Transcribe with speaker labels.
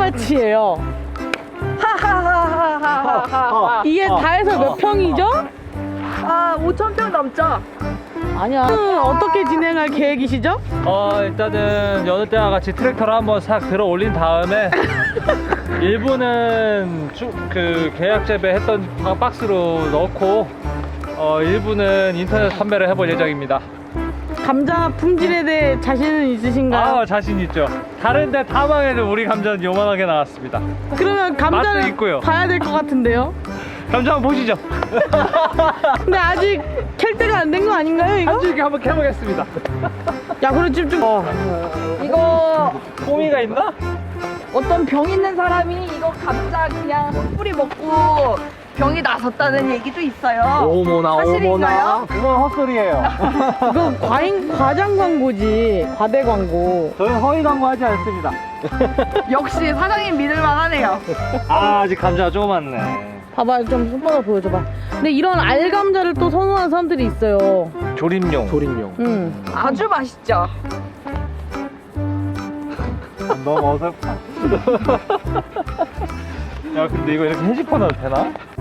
Speaker 1: 얼마치예요?
Speaker 2: 하하하하하하.
Speaker 1: 이게 다 해서 몇 평이죠?
Speaker 2: 아, 5,000평 넘죠?
Speaker 1: 아니야. 어떻게 진행할 계획이시죠?
Speaker 3: 일단은 여느 때와 같이 트랙터를 한번 싹 들어 올린 다음에 일부는 그 계약 재배했던 박스로 넣고 일부는 인터넷 판매를 해볼 예정입니다.
Speaker 1: 감자 품질에 대해 자신은 있으신가요?
Speaker 3: 자신 있죠. 다른데 다 망해도 우리 감자는 요만하게 나왔습니다.
Speaker 1: 그러면
Speaker 3: 맛도
Speaker 1: 감자를
Speaker 3: 있고요.
Speaker 1: 봐야 될 것 같은데요?
Speaker 3: 감자 한번 보시죠.
Speaker 1: 근데 아직 캘 때가 안 된 거 아닌가요, 이거?
Speaker 3: 한 줄기 한번 캐보겠습니다.
Speaker 1: 야, 그럼 지금 좀
Speaker 2: 이거
Speaker 3: 호미가 있나?
Speaker 2: 어떤 병 있는 사람이 이거 감자 그냥 뿌리 먹고 병이 나섰다는 얘기도 있어요.
Speaker 3: 어머나
Speaker 2: 사실인가요?
Speaker 3: 그건 헛소리예요.
Speaker 1: 이거 과장 광고지, 과대 광고.
Speaker 3: 저희는 허위 광고하지 않습니다.
Speaker 2: 역시 사장님 믿을만 하네요.
Speaker 3: 아직 감자가 조그맣네.
Speaker 1: 봐봐, 좀 손바닥 보여줘봐. 근데 이런 알감자를 또 선호하는 사람들이 있어요.
Speaker 3: 조림용.
Speaker 1: 응.
Speaker 2: 아주 맛있죠?
Speaker 3: 너무 어설퍼. 야, 근데 이거 이렇게 해집어 놔도 되나?